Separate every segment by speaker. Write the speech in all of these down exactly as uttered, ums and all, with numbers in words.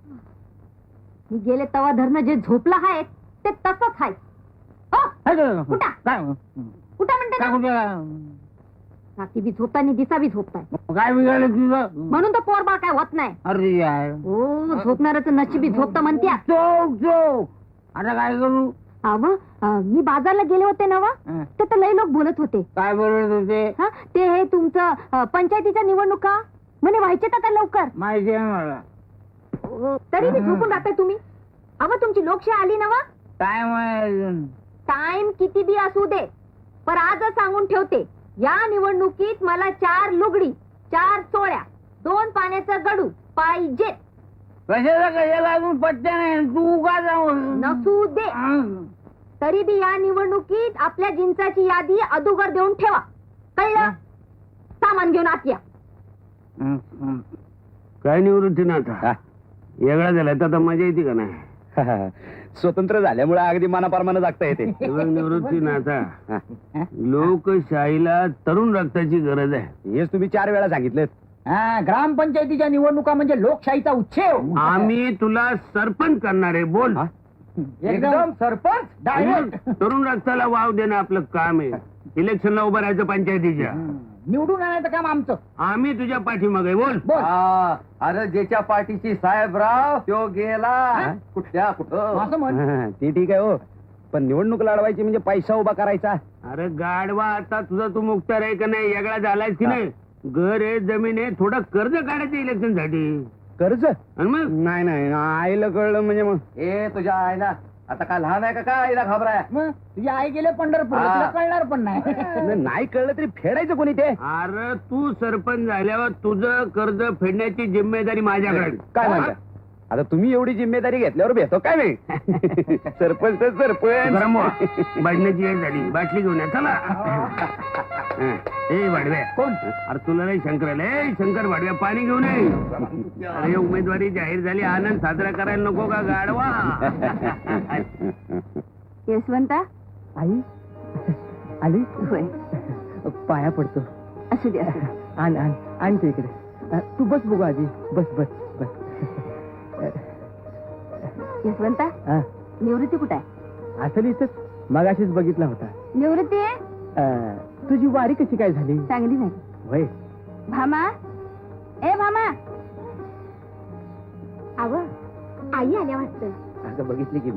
Speaker 1: मी गेले तवा धरणं जे झोपला आहे ते तसंच आहे. उठा उठा म्हणते ना. रात्री बी झोपताय आणि दिसा बी झोपताय.
Speaker 2: काय बिघडलं तुझं?
Speaker 1: म्हणून तर पोरबाळ काय होत नाही.
Speaker 2: अरे यार,
Speaker 1: हो झोपणाऱ्याचं नशिबी झोपतं म्हणत्या.
Speaker 2: चोक चोक. आता काय करू?
Speaker 1: अव मी बाजारला गेले होते ना वा, तर तर लय लोक बोलत होते.
Speaker 2: काय बोलत होते?
Speaker 1: हा ते हे तुमचं अ, पंचायतीच्या निवडणुका म्हणे व्हायचे आता लवकर.
Speaker 2: माहिती आहे मला.
Speaker 1: हो, तरी बी झोपून राहताय तुम्ही. अव तुमची लोकशाही आली ना वा.
Speaker 2: टाइम आहे अजून.
Speaker 1: टाइम किती बी असू दे, पण आजच सांगून ठेवते, या निवडणुकीत मला चार लुगडी, चार चोळ्या, दोन पाण्याचा गडू पाहिजे.
Speaker 2: कशाला कशाला अजून पट्ट्या नाही. तू का जाऊ
Speaker 1: नसू दे, तरी बी या निवडणुकीत आपल्या जिंचाची यादी अदुगर देऊन ठेवा. कळलं? सामान घेऊन आत या.
Speaker 3: काय निवृत्ती ना आता वेगळा झालाय तर आता मजा येते का नाही?
Speaker 4: स्वतंत्र झाल्यामुळे अगदी मनाप्रमाणे जागता येते.
Speaker 3: निवृत्ती ना आता लोकशाहीला तरुण रक्ताची गरज आहे.
Speaker 4: हेच तुम्ही चार वेळा सांगितलं.
Speaker 2: हा, ग्रामपंचायतीच्या निवडणुका म्हणजे लोकशाहीचा उच्छेव.
Speaker 3: आम्ही तुला सरपंच करणार आहे. बोल.
Speaker 2: एकदम सरपंच डायरेक्ट.
Speaker 3: तरुण रक्ताला वाव देणं आपलं काम आहे. इलेक्शनला उभं राहायचं पंचायतीच्या.
Speaker 2: निवडून आणायचं काम आमचं.
Speaker 3: आम्ही तुझ्या पाठीमागे. बोल.
Speaker 2: बोल.
Speaker 4: अरे ज्याच्या पाठीशी साहेबराव तो गेला कुठल्या कुठं.
Speaker 2: असं म्हण.
Speaker 4: ते ठीक आहे हो, पण निवडणूक लढवायची म्हणजे पैसा उभा करायचा.
Speaker 3: अरे गाडवा, आता तुझा तू मुक्तार आहे का नाही? वेगळा झालायस की नाही? घर आहे, जमीन आहे, थोडं कर्ज काढायचं इलेक्शन साठी.
Speaker 4: कर्ज?
Speaker 3: आणि मग
Speaker 4: नाही नाही, आईला कळलं म्हणजे मग ए तुझ्या आईला आता काय लहान आहे का काय आईला घाबराय?
Speaker 2: मग तुझी आई गेले पंढरपूर, तुला कळणार पण नाही.
Speaker 4: नाही कळलं तरी फेडायचं कोणी ते?
Speaker 3: अरे तू सरपंच झाल्यावर तुझं कर्ज फेडण्याची जिम्मेदारी माझ्याकडे.
Speaker 4: काय म्हणता? आता तुम्ही एवढी जिम्मेदारी घेतल्यावर भेटतो काय मी? सरपंच तर सरपंच.
Speaker 3: बाटल्याची वेळ झाली, बाटली घेऊन या. चला. ए भाडव्या.
Speaker 2: कोण?
Speaker 3: अरे तुला नाही शंकराला. ए शंकर भाडव्या, पाणी घेऊन ये. अरे उमेदवारी जाहीर झाली, आनंद साजरा करायला नको का गाडवा?
Speaker 1: यशवंता
Speaker 2: आई आली.
Speaker 1: होय.
Speaker 2: पाया पडतो.
Speaker 1: असू दे असू दे.
Speaker 2: आण आण आण ते इकडे. तू बस बघू आजी. बस बस बस.
Speaker 1: यशवंता
Speaker 2: हा,
Speaker 1: निवृत्ती कुठे आहे?
Speaker 2: असं इथंच मगाशीच बघितला होता.
Speaker 1: निवृत्ती आहे?
Speaker 2: अं, तुझी वारी कशी काय झाली?
Speaker 1: चांगली नाही.
Speaker 2: वय
Speaker 1: भामा, ए भामा. अव आई आल्या वाटतं.
Speaker 4: असं बघितली की मी.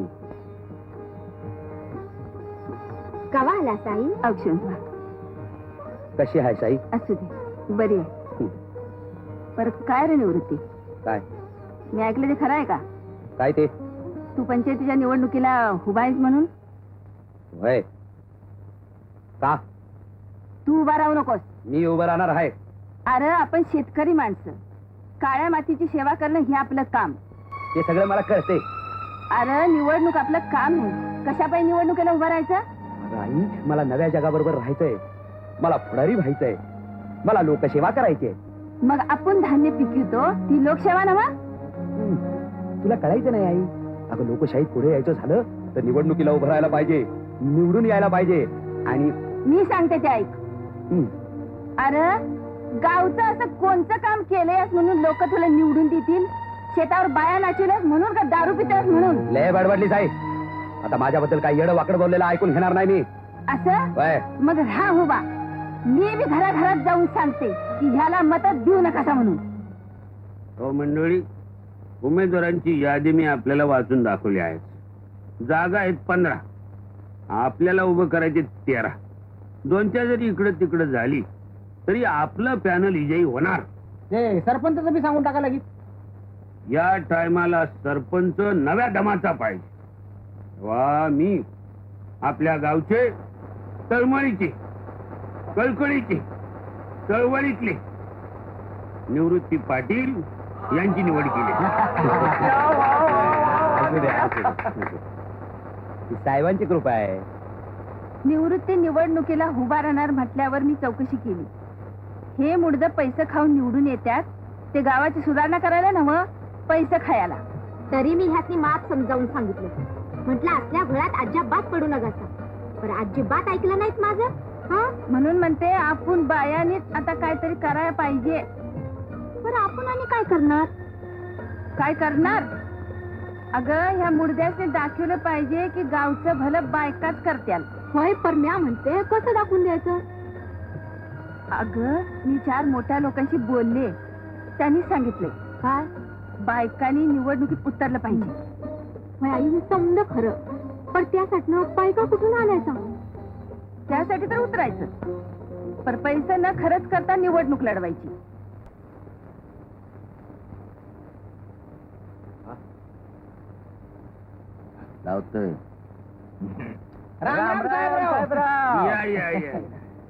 Speaker 1: कवा आला साई? औक्षण.
Speaker 4: कशी आहे साई?
Speaker 1: असू दे, बरी आहे. पर काय रे निवृत्ती,
Speaker 4: काय
Speaker 1: मी ऐकलं ते खरं आहे का?
Speaker 4: काय ते?
Speaker 1: तू पंचायतीच्या निवडणुकीला उभा आहेस म्हणून?
Speaker 4: वय का?
Speaker 1: तू उभा राहू नकोस.
Speaker 4: मी उभं राहणार आहे.
Speaker 1: अरे आपण शेतकरी माणसं, काळ्या मातीची सेवा करणं हे आपलं काम.
Speaker 4: ते सगळं मला कळते.
Speaker 1: अरे निवडणूक आपलं काम नाही. कशापाई निवडणुकीला उभं राहायचं?
Speaker 4: आई, मला नव्या जगाबरोबर राहायचंय. मला पुढारी व्हायचंय. मला लोकसेवा करायची.
Speaker 1: मग आपण धान्य पिकवतो ती लोकसेवा नवा?
Speaker 4: तुला कळायचं नाही आई. अगं लोकशाहीत पुढे यायचं झालं तर निवडणुकीला उभं राहायला पाहिजे, निवडून यायला पाहिजे. आणि
Speaker 1: मी सांगते ते ऐक.
Speaker 4: हं,
Speaker 1: अरे गावचं असं कोणतं काम केलंयस म्हणून लोक तुला निवडून देतील? शेतावर बाया नाचवल्यास म्हणून का दारू पितोस म्हणून?
Speaker 4: लय बडबडलीस आई. आता माझ्याबद्दल काही येडं वाकड बोललेलं ऐकून घेणार नाही मी.
Speaker 1: असं?
Speaker 4: वय
Speaker 1: मग राहा उभा. मी बी घराघरात जाऊन सांगते की ह्याला मत देऊ नका म्हणून.
Speaker 3: हो मंडळी, उमेदवारांची यादी मी आपल्याला वाचून दाखवली आहे. जागा आहेत पंधरा, आपल्याला उभं करायचे तेरा. दोनच्या जरी इकडं तिकडं झाली तरी आपलं पॅनल विजयी होणार.
Speaker 2: ते सरपंच बी सांगून टाका लागेल.
Speaker 3: या टायमाला सरपंच नव्या दमाचा पाहिजे. वा मी आपल्या गावचे तळमळीचे, कळकळीचे, चळवळीतले निवृत्ती पाटील यांची निवड केली.
Speaker 4: साहेबांची कृपा आहे.
Speaker 1: निवृत्ती निवडणुकीला उभा राहणार म्हटल्यावर मी चौकशी केली. हे मुडद पैसे खाऊन निवडून येतात, ते गावाची सुधारणा करायला नव्ह, पैसे खायला. तरी मी ह्याची मात समजावून सांगितलं. म्हटलं असल्या घरात अजिबात पडू नका. पण अजिबात ऐकलं नाहीत माझं. हा म्हणून म्हणते आपण बायानीच आता काहीतरी करायला पाहिजे. पण आपण आणि काय करणार? काय करणार अगं ह्या मुडद्यासने दाखवलं पाहिजे की गावचं भलं बायकाच करत्याल.
Speaker 5: होय परम्या म्हणते कसं दाखवून द्यायचं?
Speaker 1: अगं मी चार मोठ्या लोकांशी बोलले, त्यांनी सांगितले
Speaker 5: काय?
Speaker 1: बायकांनी निवडणुकीत उतरलं पाहिजे.
Speaker 5: होय आई हे समज खरं, पण त्यासाठी बायका कुठून आणायचा?
Speaker 1: त्यासाठी तर उतरायचं, पर पैसे न खरंच करता निवडणूक लढवायची.
Speaker 4: लावतोय.
Speaker 2: राम राम साहेबराव.
Speaker 3: या या या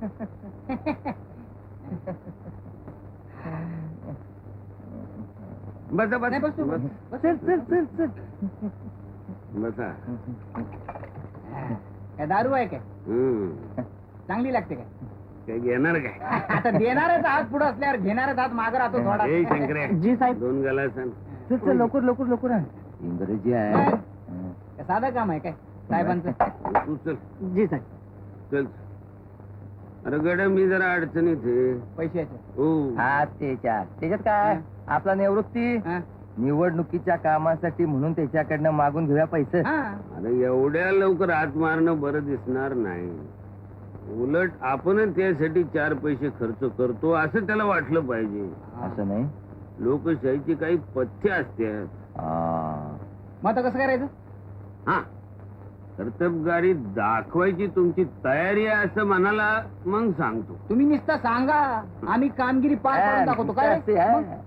Speaker 3: बसा बसा बसा.
Speaker 2: चल चल चल चल.
Speaker 3: बसा.
Speaker 2: काय दारू आहे काय?
Speaker 3: हम्म.
Speaker 2: चांगली लागते काय?
Speaker 3: काय घेणार काय?
Speaker 2: आता देणारच हात पुढे असल्यावर घेणारच हात मागे राहतो थोडा.
Speaker 3: ए शंकर्या,
Speaker 2: जी साहेब.
Speaker 3: दोन गलास आण.
Speaker 2: चल चल लवकर लवकर लवकर आण.
Speaker 4: इंग्रजी आहे.
Speaker 2: काय साधं काम आहे काय साहेबांचं?
Speaker 3: तू चल
Speaker 2: जी साहेब.
Speaker 3: चल. अरे गड्या मी जरा अडचणीत आहे.
Speaker 2: पैशाचे.
Speaker 3: हो.
Speaker 4: हा त्याच्यात त्याच्यात काय आपला निवृत्ती
Speaker 2: हा.
Speaker 4: निवडणुकीच्या कामासाठी म्हणून त्याच्याकडनं मागून घेऊया पैसे.
Speaker 2: हा.
Speaker 3: अरे एवढ्या लवकर हात मारणं बरं दिसणार नाही. उलट आपणच त्यासाठी चार पैसे खर्च करतो असं त्याला वाटलं पाहिजे.
Speaker 4: असं नाही.
Speaker 3: लोकशाहीची काही पथ्य असतात.
Speaker 4: आ,
Speaker 2: मग आता कसं करायचं?
Speaker 3: हा, कर्तबगारी दाखवायची तुमची तयारी आहे असं मनाला मग सांगतो.
Speaker 2: तुम्ही नुसतं सांगा, आम्ही कामगिरी पार पाडून दाखवतो काय?
Speaker 4: असं आहे.
Speaker 2: मग?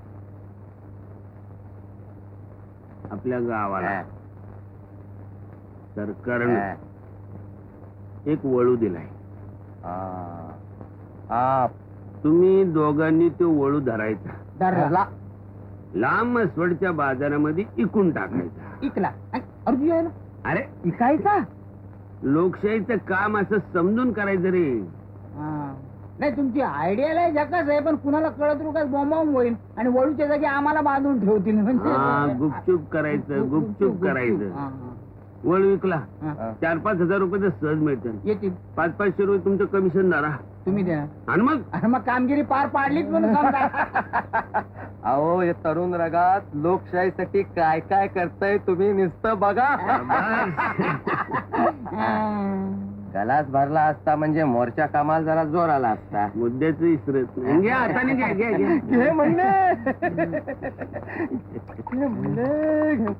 Speaker 3: आपल्या गावाला
Speaker 4: हा.
Speaker 3: सरकारनं एक वळू दिलाय.
Speaker 4: आ, आ,
Speaker 3: तुम्ही दोघांनी तो वळू धरायचा,
Speaker 2: धरला.
Speaker 3: लांब मसवडच्या बाजारामध्ये इकून टाकायचा.
Speaker 2: इकला. अर्जुन आहे ना?
Speaker 3: अरे
Speaker 2: इकायचा?
Speaker 3: लोकशाहीचं काम असं समजून करायचं रे.
Speaker 2: हा. नाही तुमची आयडिया लय झकास आहे, पण कुणाला कळत रुकाच बॉम्बावून होईल आणि वळूच्या जागी आम्हाला बांधून ठेवतील
Speaker 3: हा,
Speaker 2: म्हणजे.
Speaker 3: गुपचूप करायचं, गुपचूप करायचं.
Speaker 2: हा,
Speaker 3: वळू विकला,
Speaker 2: हा, हा.
Speaker 3: चार पाच हजार रुपये तर सहज मिळतात.
Speaker 2: येतील.
Speaker 3: पाच पाचशे रुपये तुमचं कमिशन धरा
Speaker 2: तुम्ही द्या
Speaker 3: आणि मग
Speaker 2: आणि मग कामगिरी पार पाडलीच म्हणून समजा.
Speaker 4: अहो या तरुण रगात लोकशाहीसाठी काय काय करताय तुम्ही नुसतं बघा. गलास भरला असता म्हणजे मोर्चा कामाला जरा जोर आला असता.
Speaker 3: मुद्द्याच विसरत नाही. घ्या हाताने घ्या घ्या घ्या
Speaker 4: घे म्हणले. घे म्हणले.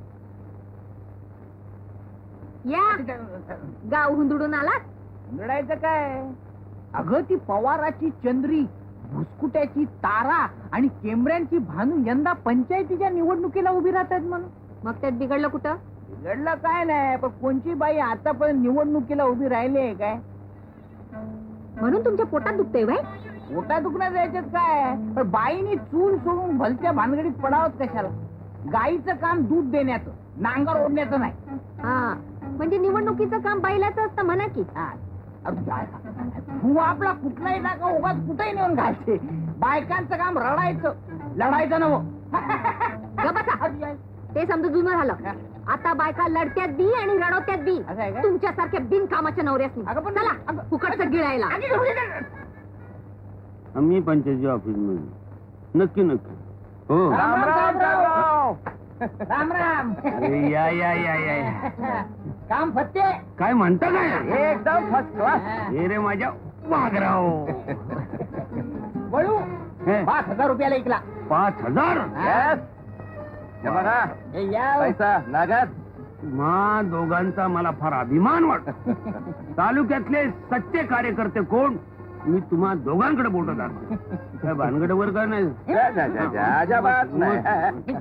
Speaker 5: या गाव हुंदडून आलात?
Speaker 2: लढायचं काय? अगं ती पवाराची चंद्री, भुसकुट्याची तारा आणि केमऱ्यांची भानू यंदा पंचायतीच्या निवडणुकीला उभी राहतात म्हणून.
Speaker 5: मग त्यात बिघडलं कुठं?
Speaker 2: लढलं काय नाही, पण कोणची बाई आतापर्यंत निवडणुकीला उभी राहिली आहे काय?
Speaker 5: म्हणून तुमच्या पोटात दुखतंय व्हय?
Speaker 2: पोटा दुखण्यात यायच्यात काय, पण बाईनी चूल सोडून भलत्या भानगडीत पडावत कशाला? गाईचं काम दूध देण्याचं, नांगर ओढण्याचं नाही.
Speaker 5: हा, म्हणजे निवडणुकीचं काम बैलाचं असतं म्हणा की.
Speaker 2: हा. तू आपला कुठलाही टाका उगाच कुठेही नेऊन घालते. बायकांचं काम रडायचं, लढायचं नव.
Speaker 5: ग बसा. ते समजा जुनं झालं. आता बायका लढत्यात बी आणि रडवत्यात बी.
Speaker 2: असं आहे का?
Speaker 5: तुमच्यासारख्या बिनकामाच्या नवऱ्यासनी.
Speaker 2: अगं पण-
Speaker 5: चला
Speaker 2: अगं-
Speaker 5: फुकटचं गिळायला.
Speaker 3: आम्ही पंचायती ऑफिस मध्ये नक्की नक्की. हो.
Speaker 2: राम राम राम राम राम.
Speaker 3: अरे या या या या या.
Speaker 2: काम फत्ते.
Speaker 3: काय म्हणता काय?
Speaker 4: एकदम फर्स्ट क्लास.
Speaker 3: हे रे माझ्या वाघराव.
Speaker 2: वळू
Speaker 3: हे,
Speaker 2: पाच हजार रुपयाला ऐकला.
Speaker 3: पाच हजार
Speaker 4: Yes. हे बघा
Speaker 2: हे या.
Speaker 4: पैसा नागात.
Speaker 3: मा दोघांचा मला फार अभिमान वाटतो. तालुक्यातले सच्चे कार्यकर्ते कोण मी तुम्हा दोघांकडे बोलत दाखवतो. काय भानगड वर काय नाही.
Speaker 4: जा, जा, जा, जा, अजिबात नाही.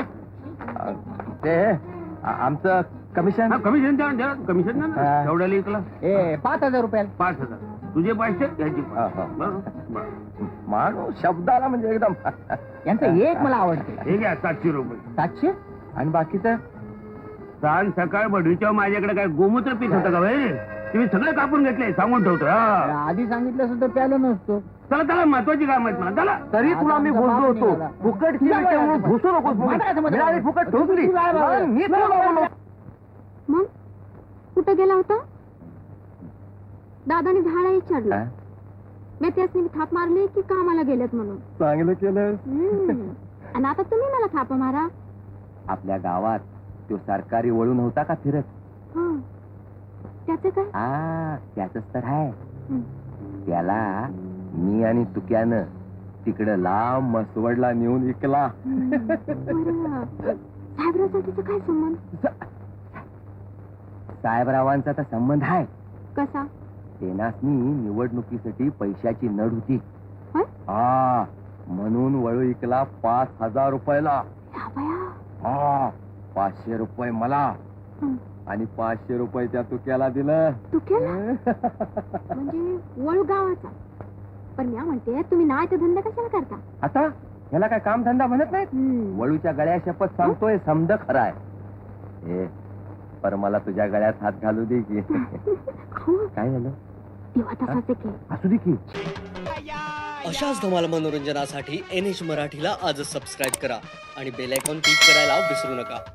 Speaker 4: ते आ- आमचं कमिशन.
Speaker 3: हा, कमिशन द्या द्या कमिशन द्या ना.
Speaker 4: हा.
Speaker 3: एवढ्याला इकला
Speaker 2: ए पाच हजार रुपयाला.
Speaker 3: पाच हजार. तुझे पाचशे याची
Speaker 4: हा, हा. माणूस शब्दाला म्हणजे एकदम.
Speaker 2: यांचं एक मला आवडते.
Speaker 3: हे घ्या सातशे रुपये.
Speaker 2: सातशे.
Speaker 4: आणि बाकीचं
Speaker 3: सांग सकाळ बढीच्या माझ्याकडे काय गोमूत्र पीठ होतं का भाई? तुम्ही सगळे कापून घेतले सांगून ठेवतो. हा.
Speaker 2: आधी सांगितलं असं तर प्यालो नसतो.
Speaker 3: चला चला महत्वाची काम आहेत मला. चला
Speaker 4: तरी तुला मी बोललो होतो फुकटची विटे म्हणून घुसू नकोस म्हणून. मिळाली फुकट ठोकली. मग मी तुला बोललो.
Speaker 5: मग कुठं गेला होता? दादाने झाडा विचारलं. मी त्यासनी थाप मारली की कामाला गेलेत म्हणून.
Speaker 4: चांगलं केलं.
Speaker 5: हम्म. आणि आता तुम्ही मला थाप मारा.
Speaker 4: आपल्या गावात तो सरकारी वळू नव्हता का फिरत?
Speaker 5: हं. त्याचं काय
Speaker 4: आ त्याच तर आहे.
Speaker 5: हं.
Speaker 4: त्याला मी आणि तुक्यानं तिकडं लांब मसवडला नेऊन विकला.
Speaker 5: बरं. साहेबरावचा काय संबंध?
Speaker 4: साहेबरावांचा तर संबंध आहे.
Speaker 5: कसा?
Speaker 4: तेनासनी निवडणुकीसाठी पैशाची नड होती.
Speaker 5: होय?
Speaker 4: हा म्हणून वळू विकला पाच हजार रुपयाला.
Speaker 5: या बया.
Speaker 4: हा पाचशे रुपये मला
Speaker 5: हं.
Speaker 4: आणि पाचशे रुपये त्या तुक्याला दिलं.
Speaker 5: तू केला म्हणजे वळू गावाचा. पण मी म्हणते तुम्ही नाही तर धंदा कशाला करता?
Speaker 4: आता ह्याला काय काम धंदा म्हणत नाहीत.
Speaker 5: हं.
Speaker 4: वळूच्या गळ्या शपथ सांगतोय समज खराय. ए पर मला तुझ्या गळ्यात हात घालू दे की.
Speaker 5: अहो,
Speaker 4: काय झालं?
Speaker 5: तेव्हा तसाच आहे की.
Speaker 4: असू दे की.
Speaker 6: अशाच धमाल मनोरंजनासाठी एन एच मराठीला आजच सबस्क्राईब करा आणि बेल आयकॉन क्लिक करायला विसरू नका.